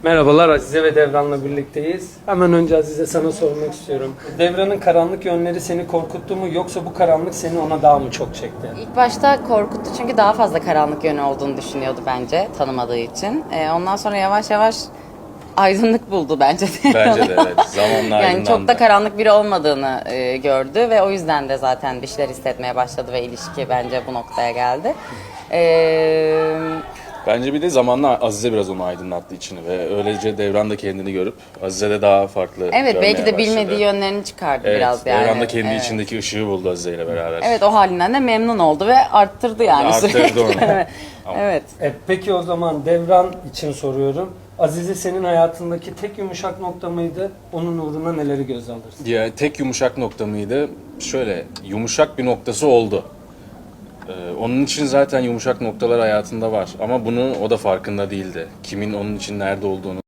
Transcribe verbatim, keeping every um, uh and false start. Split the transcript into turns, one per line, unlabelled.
Merhabalar, Azize ve Devran'la birlikteyiz. Hemen önce Azize sana sormak istiyorum. Devran'ın karanlık yönleri seni korkuttu mu yoksa bu karanlık seni ona daha mı çok çekti?
İlk başta korkuttu çünkü daha fazla karanlık yönü olduğunu düşünüyordu bence tanımadığı için. Ee, ondan sonra yavaş yavaş aydınlık buldu bence de.
Bence de evet. Zamanla
Yani
aydınlandı.
çok da karanlık biri olmadığını e, gördü ve o yüzden de zaten bir şeyler hissetmeye başladı ve ilişki bence bu noktaya geldi. Ee,
Bence bir de zamanla Azize biraz onu aydınlattı içini ve öylece Devran da kendini görüp Azize de daha farklı
evet
görmeye
belki de bilmediği
başladı.
yönlerini çıkardı
Evet,
biraz yani.
Devran da kendi
Evet.
içindeki ışığı buldu Azize ile beraber.
Evet, o halinden de memnun oldu ve arttırdı yani
Arttırdı
sürekli.
onu.
Evet. Evet.
E, peki o zaman Devran için soruyorum. Azize senin hayatındaki tek yumuşak nokta mıydı? Onun uğruna neleri göze alırsın?
Ya tek yumuşak nokta mıydı? Şöyle yumuşak bir noktası oldu. Ee, onun için zaten yumuşak noktalar hayatında var ama bunu o da farkında değildi. Kimin onun için nerede olduğunu